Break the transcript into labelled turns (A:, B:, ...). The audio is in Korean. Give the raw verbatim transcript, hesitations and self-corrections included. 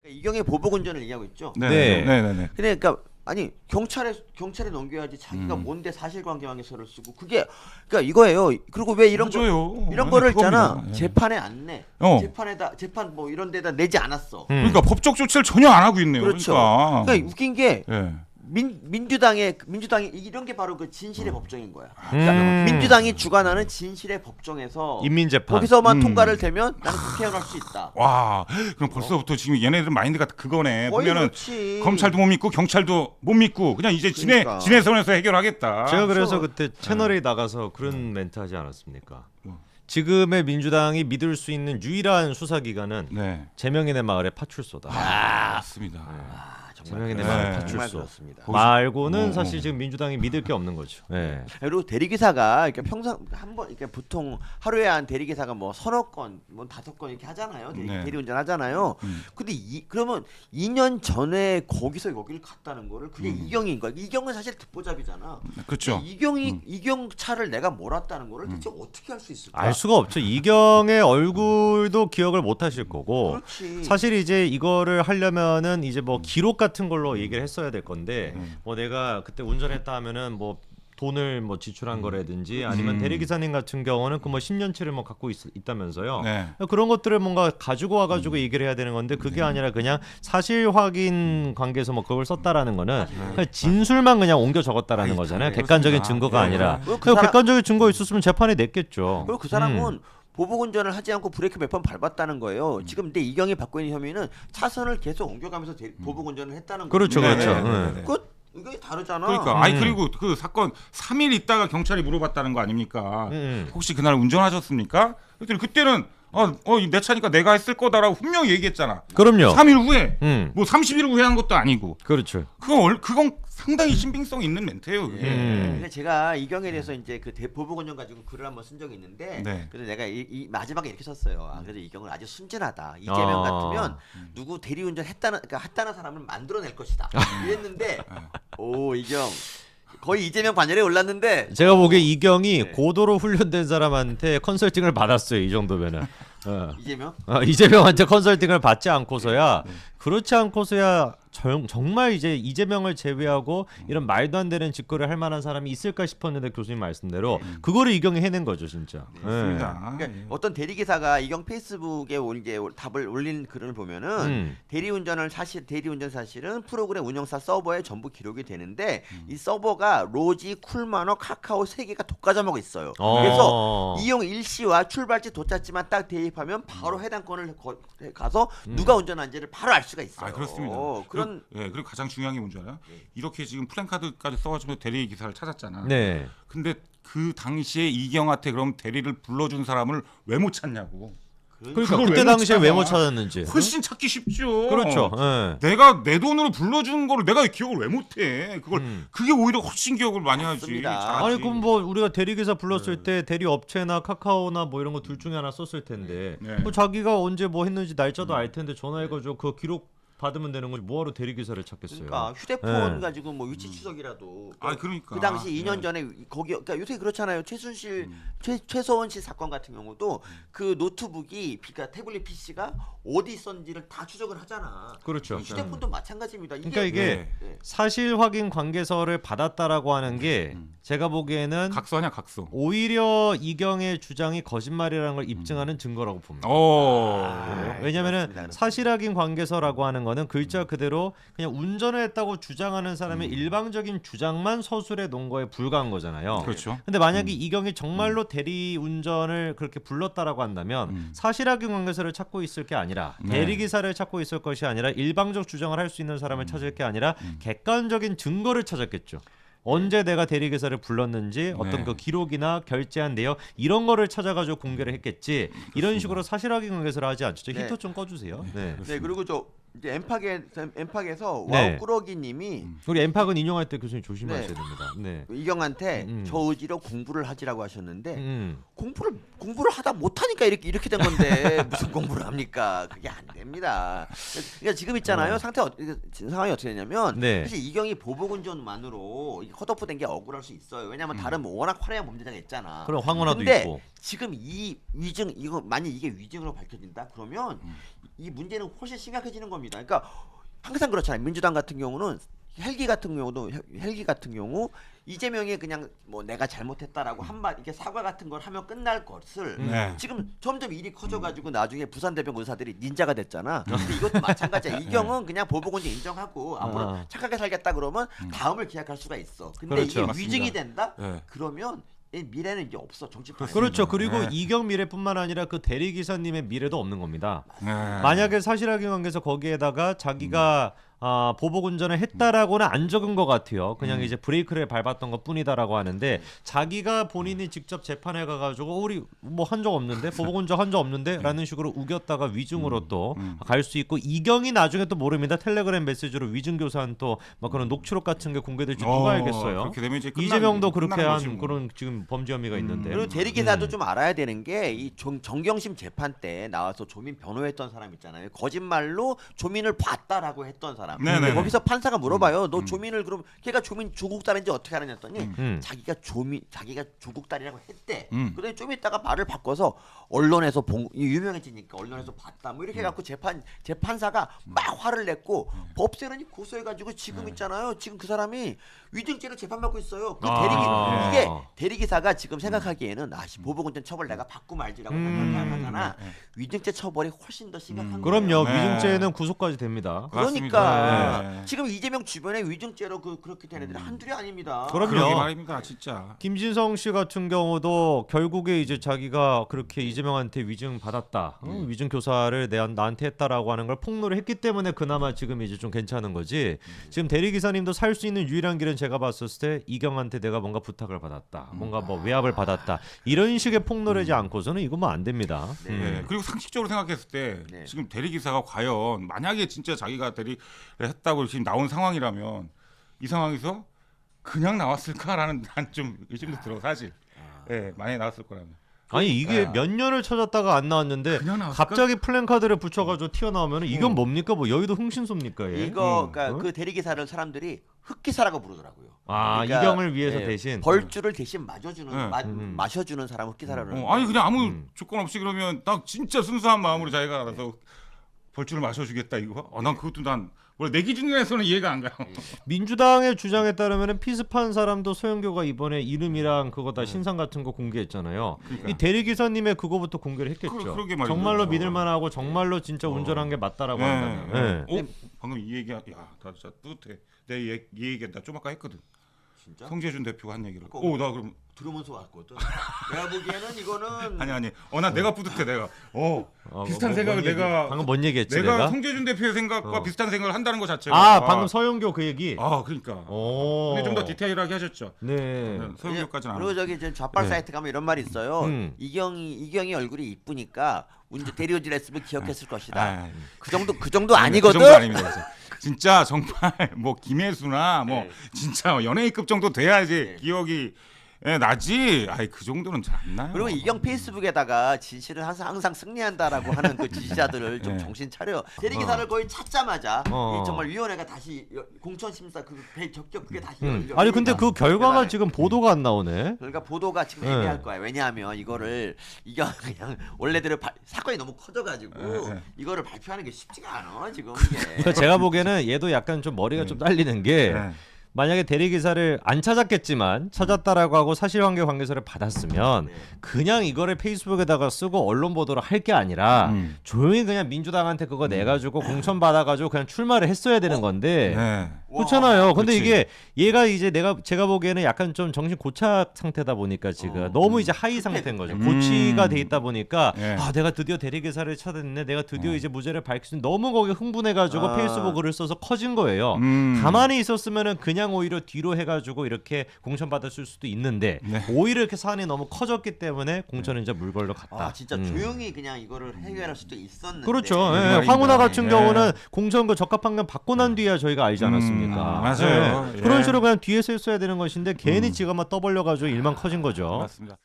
A: 이경의 보복운전을 얘기하고 있죠.
B: 네,
C: 네.
B: 네, 네, 네.
A: 그러니까 아니 경찰에 경찰에 넘겨야지 자기가
B: 음.
A: 뭔데 사실관계망에서를 쓰고 그게 그러니까 이거예요. 그리고 왜 이런 거
B: 맞아요.
A: 이런
B: 네,
A: 거를
B: 그겁니다.
A: 있잖아.
B: 예.
A: 재판에 안 내.
B: 어.
A: 재판에다 재판 뭐 이런 데다 내지 않았어.
C: 음.
B: 그러니까 법적 조치를 전혀 안 하고 있네요.
A: 그렇죠.
B: 그러니까.
A: 그러니까 웃긴 게
B: 예.
A: 민, 민주당의 민주당이 이런 게 바로 그 진실의 법정인 거야. 그러니까
C: 음.
A: 민주당이 주관하는 진실의 법정에서
C: 인민재판.
A: 거기서만
B: 음.
A: 통과를 되면 나는 태어날 수 있다.
B: 와, 그럼 벌써부터 지금 얘네들 마인드가 그거네.
A: 거의
B: 보면은
A: 그렇지.
B: 검찰도 못 믿고 경찰도 못 믿고 그냥 이제 지네
A: 그러니까.
B: 지네 선에서 해결하겠다.
C: 제가 그래서
A: 그렇죠.
C: 그때 채널에 나가서 그런 멘트 하지 않았습니까?
B: 뭐.
C: 지금의 민주당이 믿을 수 있는 유일한 수사기관은
B: 네.
C: 재명이네 마을의 파출소다.
B: 아, 맞습니다.
A: 아,
C: 재명이네
B: 네.
C: 마을
A: 정말
C: 파출소.
A: 그렇습니다.
C: 말고는
B: 어,
C: 사실
B: 어.
C: 지금 민주당이 믿을 게 없는 거죠. 네.
A: 그리고 대리기사가 이렇게 평상 한번 이렇게 보통 하루에 한 대리기사가 뭐 서너 건, 뭐 다섯 건 이렇게 하잖아요. 대리,
B: 네.
A: 대리운전 하잖아요.
B: 음.
A: 근데 이 그러면 이 년 전에 거기서 여기를 갔다는 거를 그게
B: 음.
A: 이경인 거야. 이경은 사실 듣보잡이잖아.
B: 그렇죠.
A: 이경이
B: 음.
A: 이경 차를 내가 몰았다는 거를 대체 어떻게 할 수 있을까?
C: 알 수가 없죠. 이경의 얼굴도 기억을 못 하실 거고.
A: 그렇지.
C: 사실 이제 이거를 하려면은 이제 뭐 기록 같은 걸로 얘기를 했어야 될 건데
B: 음.
C: 뭐 내가 그때 운전했다 하면은 뭐 돈을 뭐 지출한 거라든지 아니면
B: 음.
C: 대리기사님 같은 경우는 그 뭐 십 년치를 뭐 갖고 있, 있다면서요.
B: 네.
C: 그런 것들을 뭔가 가지고 와가지고 얘기를 해야 되는 건데 그게 아니라 그냥 사실 확인 관계에서 뭐 그걸 썼다라는 거는 그냥 진술만 그냥 옮겨 적었다라는
B: 아이,
C: 거잖아요.
B: 그렇습니다.
C: 객관적인 증거가
B: 네.
C: 아니라.
A: 그리고 그
C: 그
A: 사람-
C: 객관적인 증거 있었으면 재판에 냈겠죠.
A: 그리고 그 사람은
C: 음.
A: 보복운전을 하지 않고 브레이크 몇 번 밟았다는 거예요. 지금 근데 이경이 받고 있는 혐의는 차선을 계속 옮겨가면서 대- 보복운전을 했다는 거예요.
C: 그렇죠,
B: 네,
C: 그렇죠.
B: 네, 네,
C: 네.
A: 그 이게 다르잖아.
B: 그러니까 아니
C: 음.
B: 그리고 그 사건 삼 일 있다가 경찰이 물어봤다는 거 아닙니까?
C: 음.
B: 혹시 그날 운전하셨습니까? 그랬더니 그때는 어, 어, 내 차니까 내가 했을 거다라고 분명히 얘기했잖아.
C: 그럼요.
B: 삼 일 후에
C: 음.
B: 뭐 삼십 일 후에 한 것도 아니고.
C: 그렇죠.
B: 그건 얼- 그건 상당히 신빙성 있는 멘트예요. 그게.
C: 음.
A: 근데 제가 이경에 대해서 이제 그 대- 보복운전 가지고 글을 한번 쓴 적이 있는데
B: 네.
A: 그래서 내가 이, 이 마지막에 이렇게 썼어요. 아, 그래도 이경은 아주 순진하다. 이재명
C: 아.
A: 같으면 누구 대리운전 했다는 그러니까 했다는 사람을 만들어낼 것이다. 이랬는데 오 이경 거의 이재명 반열에 올랐는데
C: 제가 보기에 이경이
A: 네.
C: 고도로 훈련된 사람한테 컨설팅을 받았어요. 이 정도면은. 어.
A: 이재명
C: 어, 이재명한테 컨설팅을 받지 않고서야 그렇지 않고서야 정, 정말 이제 이재명을 제외하고 이런 말도 안 되는 짓거리를 할 만한 사람이 있을까 싶었는데 교수님 말씀대로 그거를 이경이 해낸 거죠 진짜. 네.
B: 맞습니다.
A: 그러니까 어떤 대리기사가 이경 페이스북에 올 이제 답을 올린 글을 보면은
C: 음.
A: 대리운전을 사실 대리운전 사실은 프로그램 운영사 서버에 전부 기록이 되는데 이 서버가 로지, 쿨마너, 카카오 세 개가 독과점하고 있어요.
C: 어.
A: 그래서 이용 일시와 출발지 도착지만 딱 대입하면 바로 해당 건을 거, 가서 누가 운전한지를 바로 알 수가 있어요.
B: 아 그렇습니다.
A: 어, 그런
B: 그리고, 예, 그리고 가장 중요한 게 뭔지 알아요? 이렇게 지금 플랜카드까지 써가지고 대리 기사를 찾았잖아.
C: 네.
B: 근데 그 당시에 이경한테 그럼 대리를 불러준 사람을 왜 못 찾냐고.
C: 그러니까
B: 그걸
C: 그때
B: 왜 못
C: 당시에 왜 못
B: 찾아?
C: 찾았는지.
B: 훨씬 찾기 쉽죠.
C: 그렇죠. 예.
B: 내가 내 돈으로 불러준 거를 내가 기억을 왜 못해? 그걸
C: 음.
B: 그게 오히려 훨씬 기억을 많이 하지.
A: 맞습니다.
B: 잘하지.
C: 아니 그럼 뭐 우리가 대리기사 불렀을 때 대리 업체나 카카오나 뭐 이런 거 둘 중에 하나 썼을 텐데
B: 네.
C: 뭐 자기가 언제 뭐 했는지 날짜도 알 텐데 전화해가지고 그 기록 받으면 되는 거지 뭐하러 대리기사를 찾겠어요.
A: 그러니까 휴대폰
C: 네.
A: 가지고 뭐 위치 추적이라도
B: 아 그러니까
A: 그 당시 이 년
B: 네.
A: 전에 거기 그러니까 요새 그렇잖아요. 최순실
B: 음.
A: 최 최서원 씨 사건 같은 경우도 그 노트북이 그러니까 태블릿 피씨가 어디 있었는지를 다 추적을 하잖아.
C: 그렇죠.
A: 휴대폰도 마찬가지입니다. 이게
C: 그러니까 이게
A: 네.
C: 사실 확인 관계서를 받았다라고 하는 게
B: 음.
C: 제가 보기에는
B: 각서냐 각서.
C: 오히려 이경의 주장이 거짓말이라는 걸 입증하는 증거라고 봅니다.
B: 어.
A: 아,
C: 왜냐면은
A: 그렇습니다, 그렇습니다.
C: 사실 확인 관계서라고 하는 거는 글자 그대로 그냥 운전을 했다고 주장하는 사람의 일방적인 주장만 서술해 놓은 거에 불과한 거잖아요.
B: 그렇죠.
C: 근데 만약에 이경이 정말로 대리 운전을 그렇게 불렀다라고 한다면
B: 음.
C: 사실 확인 관계서를 찾고 있을 게 아니라
B: 네.
C: 대리 기사를 찾고 있을 것이 아니라 일방적 주장을 할 수 있는 사람을 찾을 게 아니라 객관적인 증거를 찾았겠죠. 언제 내가 대리기사를 불렀는지 어떤
B: 네.
C: 그 기록이나 결제한 내역 이런 거를 찾아가지고 공개를 했겠지. 이런 식으로 사실 확인 관계서를 하지 않죠. 저
A: 네.
C: 히터 좀 꺼주세요. 네.
A: 네 그리고 저 이제 엠팍에 엠팍에서
C: 네.
A: 와우 꾸러기님이
C: 우리 엠팍은 인용할 때 교수님 조심하셔야
A: 네.
C: 됩니다. 네.
A: 이경한테
C: 음.
A: 저 의지로 공부를 하지라고 하셨는데
C: 음.
A: 공부를 공부를 하다 못하니까 이렇게 이렇게 된 건데 무슨 공부를 합니까? 그게 안 됩니다. 그러니까 지금 있잖아요.
C: 어.
A: 상태 어, 상황이 어떻게 되냐면
C: 네.
A: 사실 이경이 보복운전만으로 컷오프 된 게 억울할 수 있어요. 왜냐하면 다른 뭐 워낙 화려한 범죄자가 있잖아.
C: 그럼 황혼아도
A: 근데
C: 있고.
A: 지금 이 위증 이거 만약 이게 위증으로 밝혀진다 그러면 이 문제는 훨씬 심각해지는 겁니다. 그러니까 항상 그렇잖아요. 민주당 같은 경우는 헬기 같은 경우도 헬기 같은 경우 이재명이 그냥 뭐 내가 잘못했다라고 한마디 이렇게 사과 같은 걸 하면 끝날 것을
B: 네.
A: 지금 점점 일이 커져가지고 나중에 부산대병 의사들이 닌자가 됐잖아. 근데 이것도 마찬가지야. 이경은 그냥 보복원죄 인정하고 앞으로
C: 아.
A: 착하게 살겠다 그러면 다음을 기약할 수가 있어. 근데
C: 그렇죠.
A: 이게
B: 맞습니다.
A: 위증이 된다?
B: 네.
A: 그러면 이 미래는 이제 없어. 정치판.
C: 그렇죠. 그리고
B: 네.
C: 이경 미래뿐만 아니라 그 대리 기사님의 미래도 없는 겁니다.
B: 네.
C: 만약에 사실확인 관계에서 거기에다가 자기가 아, 보복 운전을 했다라고는 안 적은 것 같아요. 그냥 이제 브레이크를 밟았던 것 뿐이다라고 하는데 자기가 본인이 직접 재판에 가가지고 우리 뭐 한 적 없는데 보복 운전 한 적 없는데라는 식으로 우겼다가 위증으로 또 갈 수 있고 이경이 나중에 또 모릅니다. 텔레그램 메시지로 위증 교사한 또 막 그런 녹취록 같은 게 공개될지
B: 어,
C: 누가 알겠어요.
B: 그렇게 되면 이제 끝나는-
C: 이재명도 그렇게
B: 끝나는
C: 한
B: 거지 뭐.
C: 그런 지금 범죄 혐의가 있는데.
A: 그리고 대리기사도
C: 음.
A: 좀 알아야 되는 게 이 정경심 재판 때 나와서 조민 변호했던 사람 있잖아요. 거짓말로 조민을 봤다라고 했던 사람.
B: 네네네.
A: 근데 거기서 판사가 물어봐요. 너 조민을 그럼 걔가 조민 조국 딸인지 어떻게 알았냐 했더니
C: 음.
A: 자기가 조민 자기가 조국 딸이라고 했대.
B: 음.
A: 그러더니 좀 있다가 말을 바꿔서 언론에서 본 유명해지니까 언론에서 봤다. 뭐 이렇게 해갖고 재판 재판사가 막 화를 냈고 법세론이 고소해가지고 지금 있잖아요. 지금 그 사람이 위증죄로 재판받고 있어요. 그
C: 아.
A: 대리기
C: 아.
A: 이게 대리기사가 지금 생각하기에는 아씨 보복운전 처벌 내가 받고 말지라고
C: 음.
A: 생각하잖아. 위증죄 처벌이 훨씬 더 심각한 거예요.
C: 그럼요.
B: 네.
C: 위증죄는 구속까지 됩니다.
A: 그러니까
B: 맞습니다. 네.
A: 지금 이재명 주변에 위증죄로 그 그렇게 된 애들이 한둘이 아닙니다.
C: 그럼요.
B: 그러게 말입니다, 진짜.
C: 김진성 씨 같은 경우도 결국에 이제 자기가 그렇게 이재명한테 위증 받았다, 어? 위증 교사를 내 나한테 했다라고 하는 걸 폭로를 했기 때문에 그나마 지금 이제 좀 괜찮은 거지. 지금 대리 기사님도 살 수 있는 유일한 길은 제가 봤을 때 이경한테 내가 뭔가 부탁을 받았다, 뭔가 뭐 외압을 받았다 이런 식의 폭로를 하지 않고서는 이거 뭐 안 됩니다.
A: 네.
C: 음.
B: 네. 그리고 상식적으로 생각했을 때
A: 네.
B: 지금 대리기사가 과연 만약에 진짜 자기가 대리를 했다고 지금 나온 상황이라면 이 상황에서 그냥 나왔을까라는 난 좀 의심도 들어 사실. 예, 많이 나왔을 거라면.
C: 아니 이게
B: 네.
C: 몇 년을 찾았다가 안 나왔는데
B: 그냥 나왔을까?
C: 갑자기 플랜카드를 붙여가지고 튀어나오면 이건 뭡니까? 뭐 여의도 흥신소입니까? 얘?
A: 이거
B: 음.
A: 그러니까
C: 어?
A: 그 대리기사를 사람들이 흑기사라고 부르더라고요.
C: 아
A: 그러니까,
C: 이경을 위해서
A: 예,
C: 대신
A: 벌주를 대신 마셔주는
B: 네.
A: 마,
C: 음.
A: 마셔주는 사람 흑기사라고.
B: 어, 아니 그냥 아무
C: 음.
B: 조건 없이 그러면 딱 진짜 순수한 마음으로 자기가 알아서 벌주를 마셔주겠다 이거. 어, 난 그것도 난 원래 내 기준에서는 이해가 안 가요.
C: 민주당의 주장에 따르면 피습한 사람도 소영교가 이번에 이름이랑 그거 다 신상 같은 거 공개했잖아요.
B: 그러니까.
C: 이 대리 기사님의 그거부터 공개를 했겠죠.
B: 그러- 그러게 말이죠.
C: 정말로
B: 어.
C: 믿을만하고 정말로 진짜 운전한 게 맞다라고 한다면. 예.
B: 어? 방금 이 얘기 야, 나 진짜 뿌듯해. 내 이 얘기 나 좀 아까 했거든.
A: 진짜?
B: 성재준 대표가 한 얘기를.
A: 그거-
B: 오, 나 그럼
A: 들으면서 왔거든. 내가 보기에는 이거는
B: 아니 아니. 어, 나 내가 뿌듯해 내가. 어,
C: 어,
B: 비슷한
C: 뭐,
B: 생각을
C: 뭔 얘기-
B: 내가
C: 방금 뭔 얘기했지
B: 내가,
C: 내가?
B: 성재준 대표의 생각과
C: 어.
B: 비슷한 생각을 한다는 것 자체가.
C: 아 방금 서영교 그 얘기.
B: 아, 그러니까.
C: 오.
B: 근데 좀 더 디테일하게 하셨죠.
C: 네.
B: 네, 서울교까지는 안.
A: 그리고 저기 이제 좌빨
C: 네.
A: 사이트 가면 이런 말이 있어요.
C: 음.
A: 이경이 이경이 얼굴이 이쁘니까 운전 대리운전 했으면 기억했을 것이다.
B: 아,
A: 그 정도 그 정도
B: 아니,
A: 아니거든.
B: 그 정도 아닙니다. 진짜. 진짜 정말 뭐 김혜수나 뭐
A: 네.
B: 진짜 연예인급 정도 돼야지
A: 네.
B: 기억이 예, 나지. 아이 그 정도는 잘 안 나요.
A: 그리고 이경 페이스북에다가 진실은 항상 항상 승리한다라고 하는 그 지지자들을 좀
B: 네.
A: 정신 차려. 대리기사를 거의 찾자마자
C: 어.
A: 이 정말 위원회가 다시 여- 공천심사 그 배- 적격 그게 다시
C: 음.
A: 열려.
C: 아니 근데 그 결과가
A: 대단해.
C: 지금 보도가 안 나오네.
A: 그러니까 보도가 지금
C: 네.
A: 애매할 거야. 왜냐하면 이거를 이경 그냥 원래대로 발- 사건이 너무 커져가지고
B: 네, 네.
A: 이거를 발표하는 게 쉽지가 않아 지금 이게.
C: 그러니까 제가 보기에는 얘도 약간 좀 머리가 좀 딸리는 게
B: 네.
C: 만약에 대리 기사를 안 찾았겠지만 찾았다라고 하고 사실관계 관계서를 받았으면
A: 네.
C: 그냥 이거를 페이스북에다가 쓰고 언론 보도를 할 게 아니라
B: 음.
C: 조용히 그냥 민주당한테 그거 내가지고 공천 받아가지고 그냥 출마를 했어야 되는 건데
B: 네.
C: 그렇잖아요. 근데
B: 그렇지.
C: 이게 얘가 이제 내가 제가 보기에는 약간 좀 정신 고착 상태다 보니까 지금
A: 어,
C: 너무 이제 하이 상태인 거죠.
B: 음.
C: 고치가 돼 있다 보니까
B: 네.
C: 아 내가 드디어 대리 기사를 찾았네. 내가 드디어 이제 무죄를 밝힐 수 있는 너무 거기 흥분해가지고
A: 아.
C: 페이스북 글을 써서 커진 거예요.
B: 음.
C: 가만히 있었으면은 그냥 오히려 뒤로 해가지고 이렇게 공천 받았을 수도 있는데
B: 네.
C: 오히려 이렇게 사안이 너무 커졌기 때문에 공천은 이제 물 걸러 갔다.
A: 아 진짜
C: 음.
A: 조용히 그냥 이거를 해결할 수도 있었는데.
C: 그렇죠.
B: 네,
C: 예,
B: 말입니다.
C: 황운하 같은
B: 예.
C: 경우는 공천 그 적합한건 받고 난 뒤야 저희가 알지 않았습니까?
B: 음, 맞아요.
C: 예.
B: 예.
C: 그런 식으로 그냥 뒤에서 했어야 되는 것인데 괜히 지가 막 떠벌려가지고 일만 커진 거죠.
B: 맞습니다.